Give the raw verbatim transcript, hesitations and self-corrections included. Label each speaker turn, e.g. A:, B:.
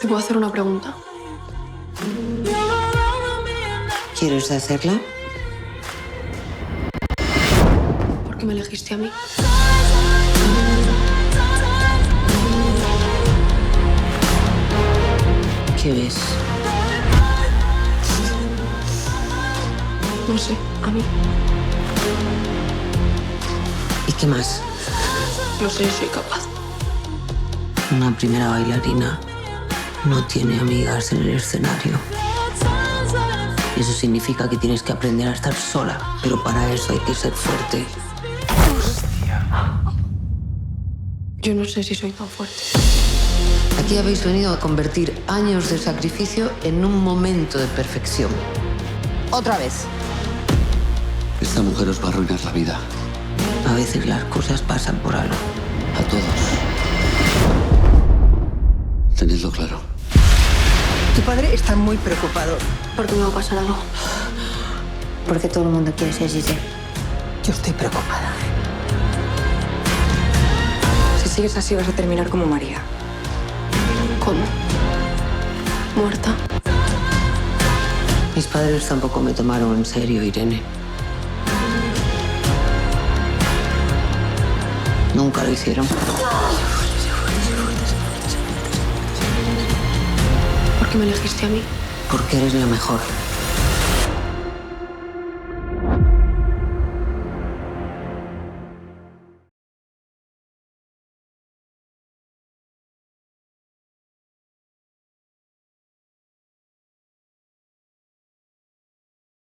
A: ¿Te puedo hacer una pregunta?
B: ¿Quieres hacerla?
A: ¿Por qué me elegiste a mí?
B: ¿Qué ves?
A: No sé, a mí.
B: ¿Y qué más?
A: No sé si soy capaz.
B: Una primera bailarina no tiene amigas en el escenario. Eso significa que tienes que aprender a estar sola, pero para eso hay que ser fuerte.
A: Yo no sé si soy tan fuerte.
B: Aquí habéis venido a convertir años de sacrificio en un momento de perfección. Otra vez.
C: Esta mujer os va a arruinar la vida.
B: A veces las cosas pasan por algo.
C: A todos. Tenedlo claro.
D: Tu padre está muy preocupado.
A: ¿Por qué me va a pasar algo?
B: Porque todo el mundo quiere ser Giselle.
D: Yo estoy preocupada.
E: Si sigues así vas a terminar como María.
A: ¿Cómo? ¿Muerta?
B: Mis padres tampoco me tomaron en serio, Irene. Nunca lo hicieron.
A: ¿Por qué me elegiste a mí?
B: Porque eres la mejor.